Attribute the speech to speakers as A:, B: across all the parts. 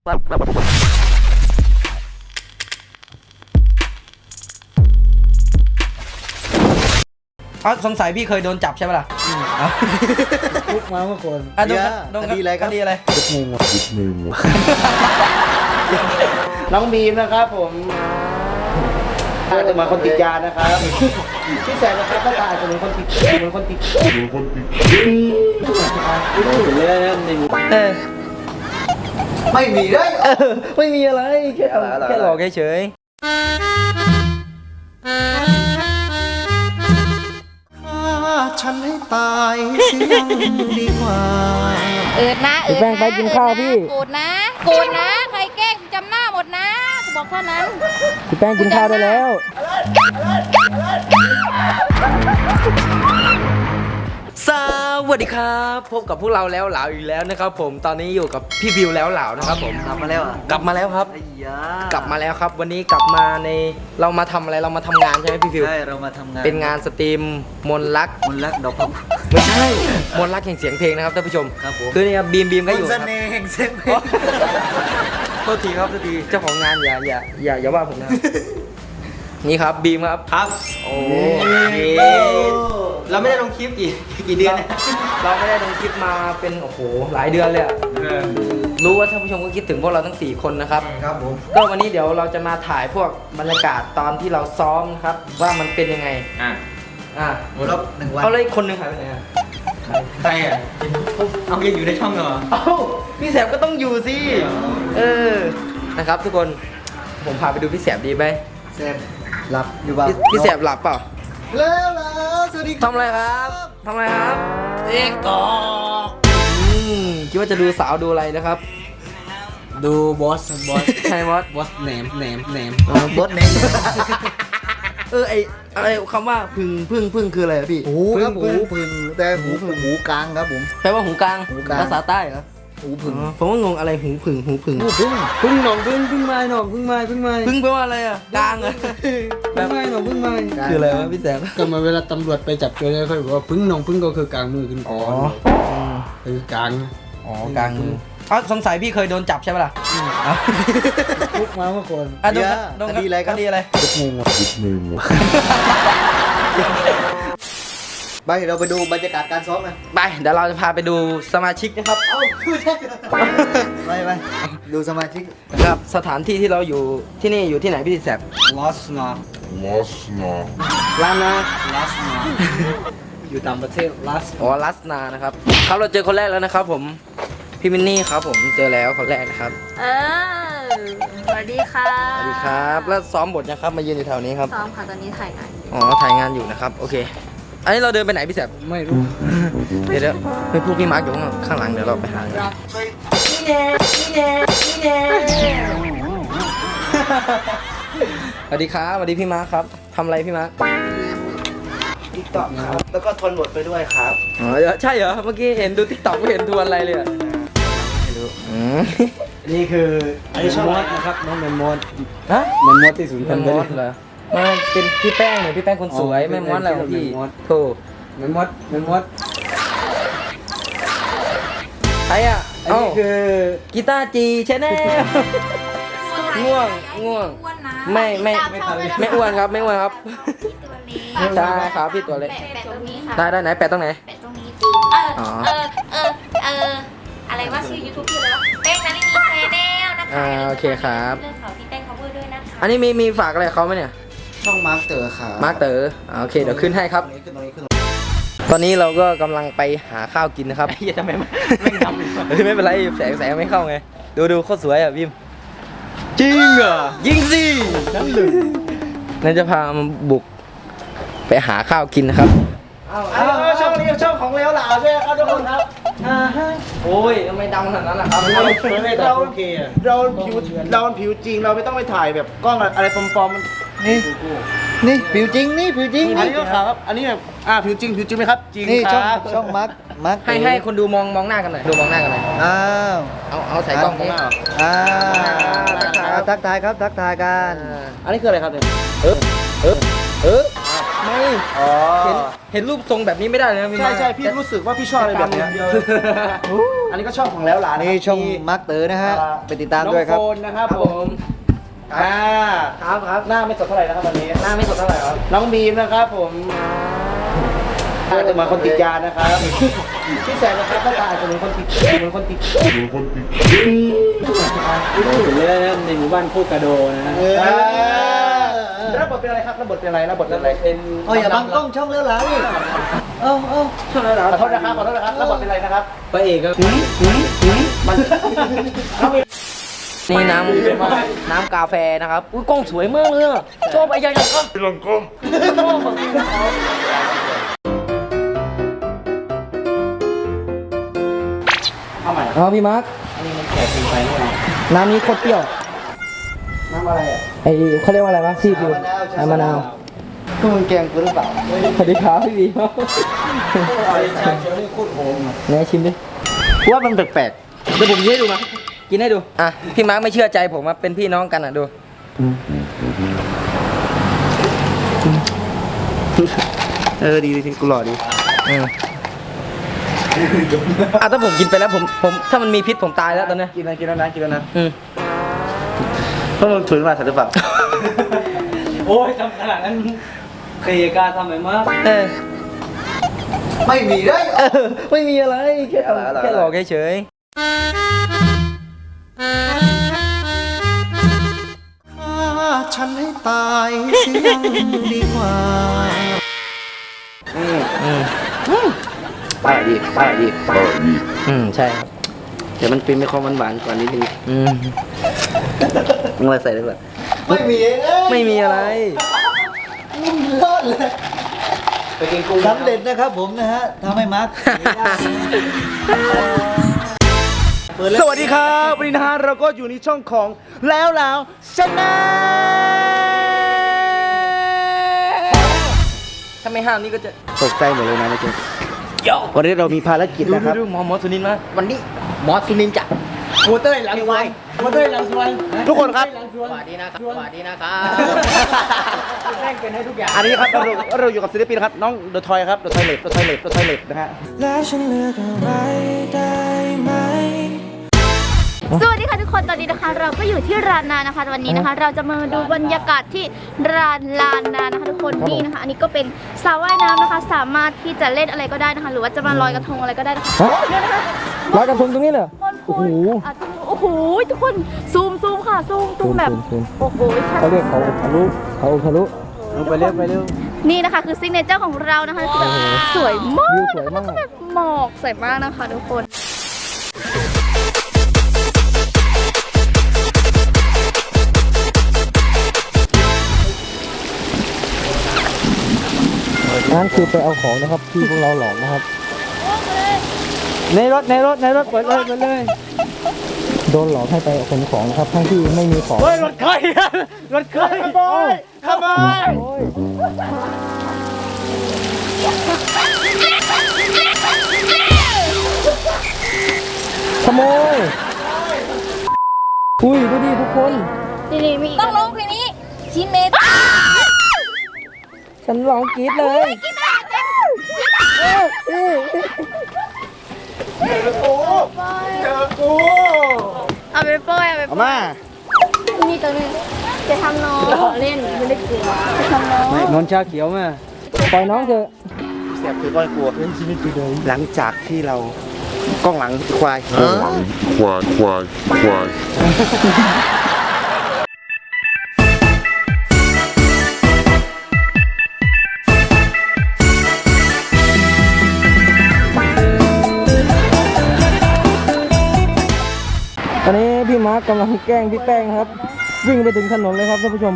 A: สงสัยพี่เคยโดนจับใช่ไหมล่ะ
B: คุกมาเมื่อก่อน
A: โดนคดีอะไรครับคดีอะไร
B: คุกงงน้องบีมนะครับผมจะมาคนติดยานะครับที่แสบนะครับก็อาจจะเหมือนคนติดไม่มีเลย
A: ไม่มีอะไรแค่หลอกเฉย
B: ฉันให้ตายเสียงดีกว่า
C: นะ
A: พี่แป้งไปกินข้าวพี่
C: โกรธนะใครแกล้งจำหน้าหมดนะกูบอกเท่านั้น
A: พี่แป้งกินข้าวได้แล้วสวัสดีครับพบกับพวกเราแล้วเหลาอีกแล้วนะครับผมตอนนี้อยู่กับพี่วิวแล้วเหลานะครับผม
B: กลับมาแล้วอ่ะ
A: กลับมาแล้วครับกลับมาแล้วครับวันนี้กลับมาในเรามาทำอะไรเรามาทำงานใช่ไหมพี่วิว
B: ใช่เรามาทำงาน
A: เป็นงานสตรีมมนลัก
B: ดอกพับ
A: ไม่ใช่มนลักแห่งเสียงเพลงนะครับท่านผู้ชม
B: ครับผม
A: คือเนี่ยบีมก็อยู่
B: ครับเสน่ห์แห่งเสียงเพลง
A: โทษทีครับโทษทีเจ้าของงานอย่าว่าผมนะนี่ครับบีมครับโอ้
B: เราไม่ได้ลงคลิปกี่เดือนเนี่ย
A: เราไม่ได้ลงคลิปมาเป็นโอ้โหหลายเดือนเลยอะรู้ว่าท่านผู้ชมก็คิดถึงพวกเราทั้ง4คนนะครับ
B: ครับผม
A: ก็วันนี้เดี๋ยวเราจะมาถ่ายพวกบรรยากาศตอนที่เราซ้อมครับว่ามันเป็นยังไง
B: รอบ1 วัน
A: เอาเลยคนหนึ่งหายไปไหนอะ
B: ใครอ่ะเอายังอยู่ในช่องเหรอ
A: เอ้าพี่แสบก็ต้องอยู่สินะครับทุกคนผมพาไปดูพี่แสบดีไหม
B: แสบหลับอยู่บ้าง
A: พี่แสบหลับเปล่า
B: แล้วสวัสดี
A: ทำอะไรครับ
B: เอ็กตอ
A: คิดว่าจะดูสาวดูอะไรนะครับ
B: ดูบอส
A: ใช่
B: บอสแหนม
A: บอสแหนมอะไรคำว่าพึ่งคืออะไรพี่
B: หูครับหูพึ่งแต่หูกลางครับผม
A: แปลว่าหูกลางภาษาใต้เหรอ
B: หูพึ่ง
A: ผมว่างงอะไรหูพึ่ง
B: พึ่งหนองพึ่งไม้หนองพึ่งไม้
A: พึ่งแปลว่าอะไรอ่ะกลางเหรอ
B: พึ่งไม้หนองพึ่งไม้
A: คืออะไรวะพี่แสบ
B: ก็มาเวลาตำรวจไปจับโจรเนี่ยเขาบอกว่าพึ่งหนองพึ่งก็คือกลางมือขึ้นคือกลาง
A: กลางมือสงสัยพี่เคยโดนจับใช่ไหมล่ะ
B: คุกมาเมื่อก่อน
A: โดนคดีอะไร
B: คุกงงไปเราไปดูบรรยากาศการซ้อมกัน
A: ไปเดี๋ยวเราจะพาไปดูสมาชิกนะครับ
B: ไปดูสมาชิก
A: ครับสถานที่ที่เราอยู่ที่นี่อยู่ที่ไหนพี่แสบ
B: ลาสนาอยู่ต่างประเทศล
A: าสนานะครับครับเราเจอคนแรกแล้วนะครับผมพี่มินนี่ครับผมเจอแล้วคนแรกนะครับ
C: สวัสดีค่ะ
A: สวัสดีครับแล้วซ้อมบทนะครับมายืนอยู่แถวนี้ครับ
C: ซ้อมค่ะตอนนี้ถ่ายงาน
A: ถ่ายงานอยู่นะครับโอเคอันนี้เราเดินไปไหนพี่แสบ
B: ไม่รู้
A: เดี๋ยวไปพูดพี่มาร์กอยู่ข้างหลังเดี๋ยวเราไปหานี่แน่สวัสดีครับสวัสดีพี่มาร์กครับทำอะไรพี่มาร์ก
B: ติ๊กต็อกครับแล้วก็ทวนบทไปด้วยครับ
A: ใช่เหรอเมื่อกี้เห็นดูติ๊กต็อกไม่เห็นทวนอะไรเลย
B: ไม่รู้นี่คืออันนี้ช่องมดนะครับน้องแมนมดที่ศูนย์พันธุ์
A: เหรอมาเป็นพี่แป้งหน่อยพี่แป้งคนสวยแม่มดอะไรของพี่โธ่
B: แม่มด
A: ใครอ่ะ
B: อันนี้คือ
A: กีตาร์จีใช่แน่ง่วงไม่อ้วนครับใช่ครับพี่ตัวเล็กได้ไหนแปะตรงไหน
C: แปะตรงนี้อะไรว่าชื่อ YouTube พี่เลยวะแป้งนั้นนี่มีแชนแนลนะคะ
A: โอเคครับ
C: เรื่องเขาที่แป้ง cover ด้วยนะคะ
A: อันนี้มีฝากอะไรเขาไหมเนี่ย
B: ช่องมาร์คเตอร์ค่ะ
A: มาร์คเตอร์โอเคเดี๋ยวขึ้นให้ครับตอนนี้เราก็กำลังไปหาข้าวกินนะครับ
B: ทำไมไม่ทำ
A: ไม่เป็นไรแสงไม่เข้าไงดูโคตรสวยอ่ะพิมจริงเหรอยิงสินั่นจะพามาบุกไปหาข้าวกินนะครับ
B: ช่องนี้ช่องของเลวหลาใช่ไหมครับทุกคนครับ
A: โอ้ยทำไมดำขนาดนั้นล่ะครับ
B: เราผิวจริงเราไม่ต้องไปถ่ายแบบกล้องอะไรปลอมๆนี่ผิวจริงอันนี้ก็ครับอันนี้แบบผิวจริงไหมครับจริงนี่ช่องมาร์ค
A: ให้คนดูมองหน้ากันหน่อยเอาใส่กล้องนี้
B: ทักทายกัน
A: อันนี้คืออะไรครับเนี่ยไม่
B: อ๋อ
A: เห็นรูปทรงแบบนี้ไม่ได้เลยนะพี่
B: ใช่ใช่พี่รู้สึกว่าพี่ชอบอะไรแบบเนี้ยอันนี้ก็ชอบของแล้วหลาน
D: นี่ช่องมาร์คเตอร์นะฮะ ไปติดตามด้วยครับ
B: น้องโฟนนะครับผม
A: ครับ
B: หน้าไม่สดเท่าไหร่นะครับวันนี้
A: หน้าไม่สดเท่าไหร่ครับ
B: น้องบีมนะครับผมอาจจะเหมือนคนติดยานะครับพี่แสนนะครับก็อาจจะเหมือนคนติดเหมือนคนติด
D: ถึงเรื่องในหมู่บ้านโคกระโดนะ
B: รับบทเป็นอะไรครับรับบทเป็นอะไรรับบทเป็นอะไรเป็น
D: โอ้ยอย่าบังกล้องช่องแล้วหลานี่เอ้า
B: ขอโทษนะครับขอโทษนะครับรับบทเป็นอะไรนะครับ
A: พระเอกครับ
B: มัน
A: นี่น้ำกาแฟนะครับอุ้ยกล้องสวยมากเลยอะชอบไอ้ยังก็
B: เอาใหม่
A: เอาพี่มาร์ค
B: อันนี้มันแขกกินไปไม่เอา
A: น้ำนี้โคตรเปรี้ยว
B: น้ำอะไรอ่ะ
A: ไอเขาเรียกว่าอะไรวะซีฟู้ดน้ำมะนาว
B: พวกมึงแกงกูหรือเปล่า
A: สวัสดีครับพี่บี
B: ชาเขียวนี่โคตรหอม
A: ไหนชิมดิ
B: ว่ามันแปลก
A: เดี๋ยวผมกินให้ดูมากินให้ดูอ่ะพี่มาร์คไม่เชื่อใจผมว่าเป็นพี่น้องกันอ่ะดู
B: ๆดีกูหล่อดี
A: อ่ะถ้าผมกินไปแล้วผมถ้ามันมีพิษผมตายแล้วตอนเนี้ย
B: กินแล้วนะ
A: อืม
B: พวกมึงถุยมาสัตว์หรือเปล่า
D: โอ้ยทำขนาดนั้นเคยกล้าทำไหมมาก
A: เออ
D: ไม่มีได้
A: ไม่มีอะไรแค่หลอกเฉย
D: ฆ่าฉันให้ตายเสียงดีกว่า
B: ป้าดี
A: ใช่ครับ
B: แต่มันเป็นไม่ความหวานๆกว่านิดนึงมึงอะไรใส่ได้ป่ะ
D: ไม่มี
A: ไม่มีอะไร
D: รอดเลย
B: ไปกินกุ้ง
D: สำเร็จนะครับผมนะฮะทำให้มาร์ค
B: สวัสดีครับวันนี้นะฮะเราก็อยู่ในช่องของแล้วชนะ
A: ถ้าไม่ห้ามนี่ก็จะ
B: ตกใจหมดเลยนะเมื่อกี้วันนี้เรามีภารกิจนะครับ
A: ดูหมอสุนินมาวันนี้หมอสุนินจะ
D: โมเตอร์หลังสวยโมเตอร์หลังสวย
B: ทุกคนครับ
A: สวัสดีนะครับสวัสดีนะครับ
D: แม่งเป็นให้ทุกอย่าง
B: อันนี้ครับเราอยู่กับศิลปินครับน้องเดอะทอยครับเดอะทอยเล็บนะฮะ
C: สวัสดีค่ะทุกคนตอนนี้นะคะ เราก็อยู่ที่ร้านนานะคะวันนี้นะคะ เราจะมาดูบรรยากาศที่ร้านลานนานะคะทุกคนนี่นะคะ อันนี้ก็เป็นสระว่ายน้ำนะคะ สามารถที่จะเล่นอะไรก็ได้นะคะ หรือว่าจะมาลอยกระทงอะไรก็ได้นะคะเนี่ยนะคะ
A: ลอยกระทงตรงนี้เหรอ
C: โอ้โหโอ้โหทุกคนซูมค่ะซูมแบบ
A: ซูม
C: โอ้โห
A: เขาเรียกเขาทะลุไปเร็ว
C: นี่นะคะคือซิกเนเจอร์ของเรานะคะคือแบบสวยมาก
A: วิวสวยมาก
C: แล้วแบบหมอกสวยมากนะคะทุกคน
A: นั่นคือไปเอาของนะครับที่พวกเราหลอกนะครับ ในรถเปิดเลยโดนหลอกให้ไปขนของนะครับทั้งที่ไม่มีของ
B: รถใครขโมย
A: ขโมยอุ้ยดูดิทุกคน
C: นี่มีต้องลงเพลงนี้ชินเมต
A: ฉันร้องกรี๊ดเลย
C: เอาไปโป้ยเอาไป
B: เอา
C: โป้
B: มาย
C: นี่ตัวนึงจะทำน้องเล่นไม่ได้กลัวจะทำน้อง
A: นนชาเขียวมาปล่อยน้องเถอะ
B: เสียบถือก้อยกลัวหลังจากที่เรากล้องหลังควาย
E: ควาย
A: ตอนนี้พี่มาร์คกำลังแกล้งพี่แป้งครับ วิ่งไปถึงถนนเลยครับท่านผู้ชม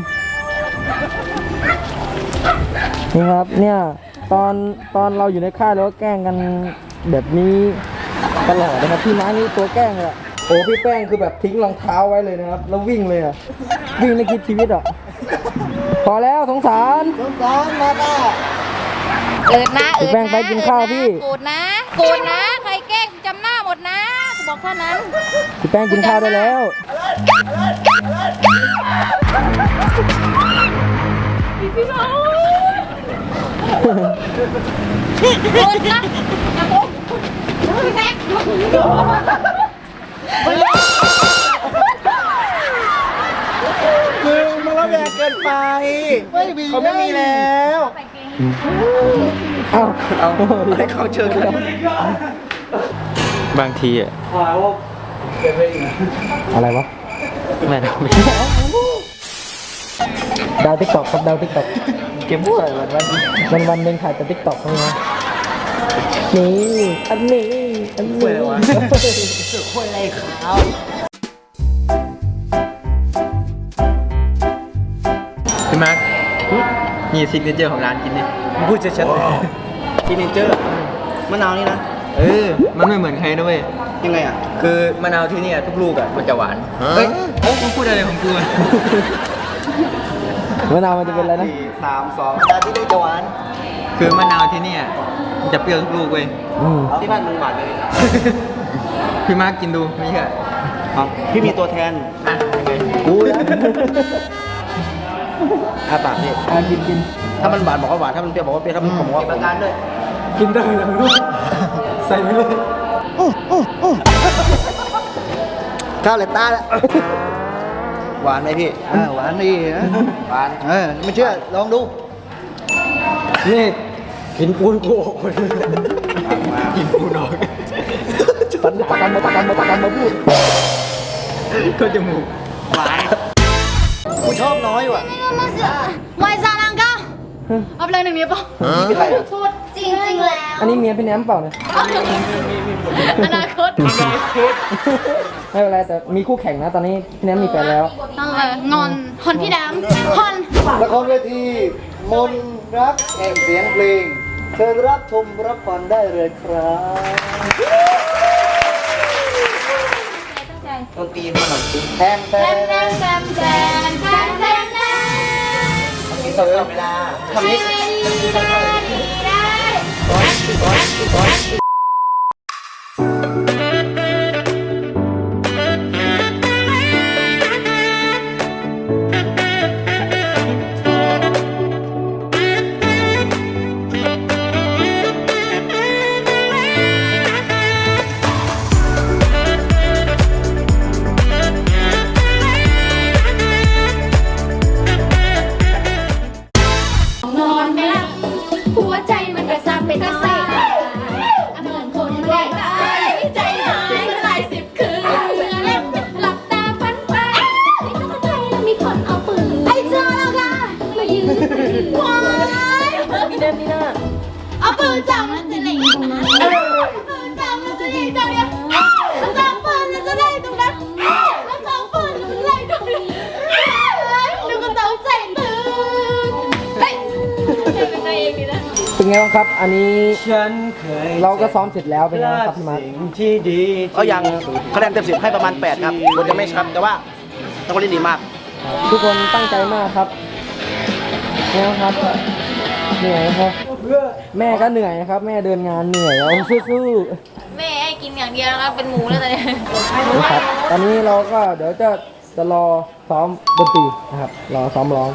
A: นี่ครับเนี่ยตอนเราอยู่ในค่ายเราก็แกล้งกันแบบนี้ตลอดนะครับพี่มาร์คนี่ตัวแกล้งเลยอะโอ้พี่แป้งคือแบบทิ้งรองเท้าไว้เลยนะครับแล้ววิ่งเลยอะวิ่งในคิดชีวิตอะพอแล้วสงสาร
D: มาต้า
C: เอิดนะ
A: พี่แป้งไปกินข้าวพี่
C: โกรธนะใครแกล้งจำหน้าหมดนะกูบอกเท่านั้น
A: พี่แป้งกินข้าวได้แล้ว
C: พี่น้องคุณนะอย่าโกงพี่แม็ก
B: มึงระแวงเกินไปเขาไม่มีแล้ว
A: เอาเอา
B: ให้เขาเชิญกัน
E: บางทีอ่ะ
A: อะไรวะ
E: แม่ท
A: ดาวติ๊กต็อกครับดาวติ๊กต็อก
E: ำเก็บบ้วย
A: วันหนึ่งถ่ายแต่ติ๊กต็อกเท่านั้นนี่อันนี้อันนี้
B: คนอะไรขาว
E: พี่มาร์คนี่ซิกเนเจอร์ของร้านกินดิ
B: พูดชัดๆทีเนเจอร์มะนาวนี่นะ
E: มันไม่เหมือนใครนะเว้ย
B: ยังไงอ่ะ
E: คือมะนาวที่เนี่ยทุกลูกอ่ะมันจะหวาน เฮ้ยโอ้กูพูดอะไรของกูอะ
A: มะนาวมันจะเป็นอะไรนะ
B: 4 3 2ตาที่ได้จะหวาน
E: คือมะนาวที่เนี่ยมันจะเปรี้ยวทุกลูกเว้ย
B: ที่บ้านมึงหวานเลย
E: พี่มาร์คกินดูไม่เชื่อ
B: พี่มีตัวแทน
E: อ่ะยังไง
B: กูนะอาปากนี่
A: กิน
B: ถ้ามันหวานบอกว่าหวานถ้ามันเปรี้ยวบอกว่าเปรี้ยวถ้ามันขมบอกว่าขม
A: กินได้เลยลูกใส่ไปเลย
B: ข้าวเลยตาแล้วหวานไหมพี่หวานดีนะหวานไม่เชื่อลองดู
A: นี่กินปูนกูออกคน
E: กินปูนอก
A: สันประกันมาพูด
E: ก็จมูก
B: หวานกูชอบน้อยว่ะ
C: ไวซาลังก้าเอาไปเลยหนึ่งนิ้วป่ะ
B: นี่เป็นไรอ่ะ
C: พูดจริงแล้ว
A: อันนี้เมียพี่แหนมเปล่าเนี่ย
C: อนาคต
A: ไม่เป็นไรแต่มีคู่แข่งนะตอนนี้พี่แหนมมีแฟนแล้ว
C: ต้องงอนฮอนพี่ดำฮอน
B: ละครเวทีมนต์รักแห่งเสียงเพลงเชิญรับชมรับฟังได้เลยครับดนตรีมาหน่อยแทนแท
C: แซ
B: น
C: มแซมแซมแซมแซมแซม
B: มีสองเวลาทำนี้
C: นอนไม่หลับหัวใจมันกระซับเป็นตะเซ่เหมือนคนแรกตายใจหายหลายสิบคืนเมื่อเล่นหลับตาฝันไปในตัวใจมีคนเอาปืนไอ้เจ้าเราค่ะมายืนว้ายพี่เดมนี่นะเอาปืนจับมันจะไหนตรงนั้นปืนจับมันจะไหนตรงนี้เอาจับปืนมันจะไหนตรงนั้นเอาจับปืนมันจะไหนตรงนี้นึกว่าต้องใจตื่นเฮ้ยเป็นไงเองดีนะ
A: เป็นไงบ้างครับ อันนี้
E: ฉันเคย
A: เราก็ซ้อมเสร็จแล้วเป็นไงบ้างครับพี่มาร์ค
E: ที่ดี
B: ก็ยังคะแนนเต็ม10ให้ประมาณ8ครับคนยังไม่ชัดแต่ว่าต้องเล่นดีมาก
A: ทุกคนตั้งใจมากครับเนี่ยครับเหนื่อยครับแม่ก็เหนื่อยนะครับ แม่เดินงานเหนื่อยเอาสู้
C: แม่ให้กินอย่างเดียวนะครับเป็นหมูแล้วตอนนี้
A: ๆนะครับตอนนี้เราก็เดี๋ยวจะรอซ้อมดนตรีนะครับรอซ้อมร้อง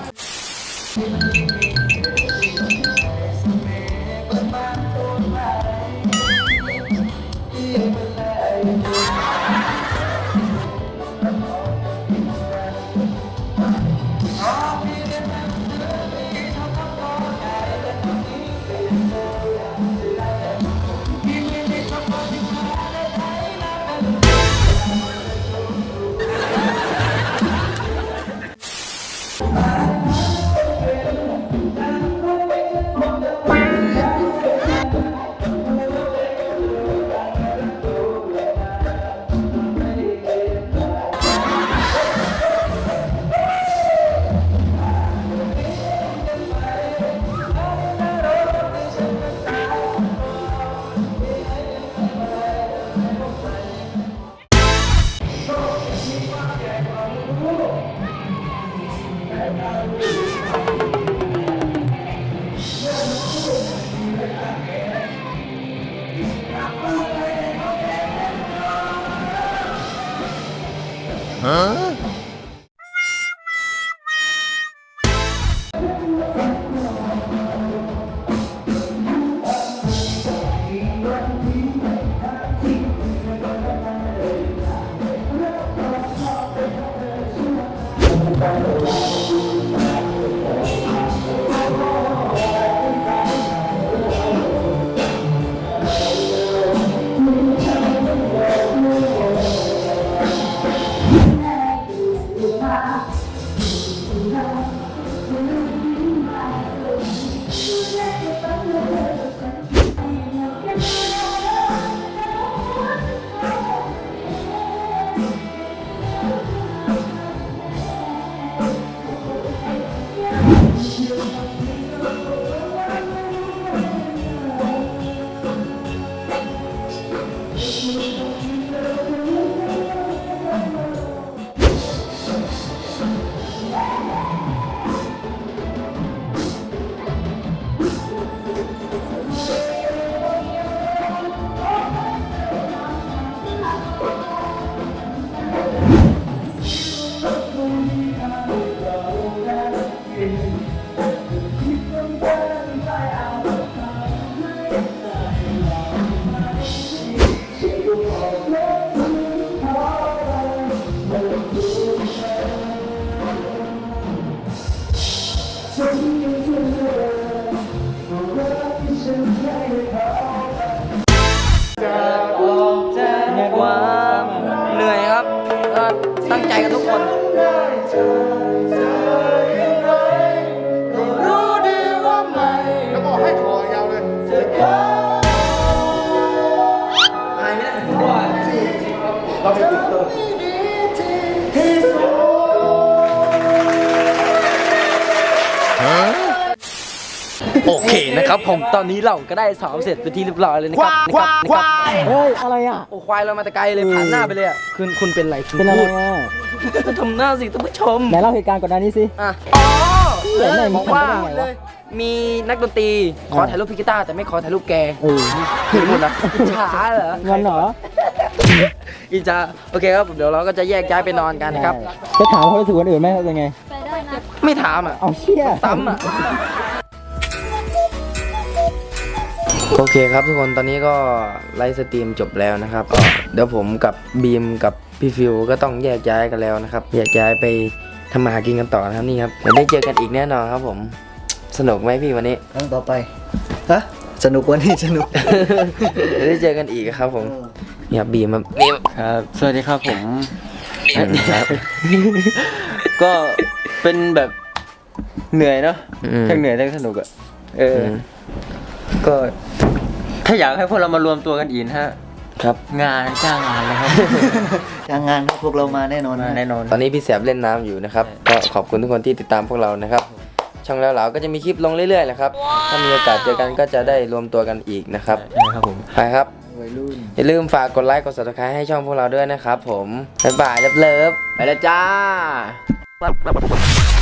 A: เหนื่อยครับก็ตั้งใจกันทุกคนโอเคนะครับผมตอนนี้เราก็ได้ซ้อมเสร็จเป็นที่เรียบร้อยเลยนะครับเฮ้ยอะไรอ่ะโอ้ควายเรามาแต่ไกลเลยผ่านหน้าไปเลยอ่ะคุณเป็นไรเป็นอะไรอ่ะก็ทำหน้าสิท่านผู้ชมไหนเล่าเหตุการณ์ก่อนหน้านี้สิอ๋อบอกว่ามีนักดนตรีขอถ่ายรูปพี่กีตาร์แต่ไม่ขอถ่ายรูปแกคือหมดนะช้าเหรองั้นเหรออินจาโอเคครับเดี๋ยวเราก็จะแยกย้ายไปนอนกันนะครับจะถามเขารู้สึกคนอื่นไหมเป็นไงไม่ถามอ่ะเอาเชี่ยซ้ำอ่ะโอเคครับทุกคนตอนนี้ก็ไลฟ์สตรีมจบแล้วนะครับก็เดี๋ยวผมกับบีมกับพี่ฟิวก็ต้องแยกย้ายกันแล้วนะครับแยกย้ายไปทำมาหากินกันต่อนะครับนี่ครับเดี๋ยวได้เจอกันอีกแน่นอนครับผมสนุกไหมพี่วันนี้
B: ครั้งต่อไปฮะสนุกวันนี้สนุก
A: เดี๋ยวได้เจอกันอีกครับผมนี่ครับบีมครับนี่
E: ครับสวัสดีครับผมครับ ก็เป็นแบบเหนื่อยเนาะทั้งเหนื่อยทั้งสนุกอะก็ถ้าอยากให้พวกเรามารวมตัวกันอีกฮะครับงานจ้างงานเลยครับ
B: จ้างงานพวกเรามาแน่นอน
E: แน่นอน
A: ตอนนี้พี่แสบเล่นน้ำอยู่นะครับก็ขอบคุณทุกคนที่ติดตามพวกเรานะครับช่องแล้วเหลาก็จะมีคลิปลงเรื่อยๆแหละครับถ้ามีโอกาสเจอกันก็จะได้รวมตัวกันอีกนะครับ
E: ครับผม
A: ไปครับอย่าลืมฝากกดไลค์กด Subscribe ให้ช่องพวกเราด้วยนะครับผมบ๊ายบายเลิฟๆไปแล้วจ้า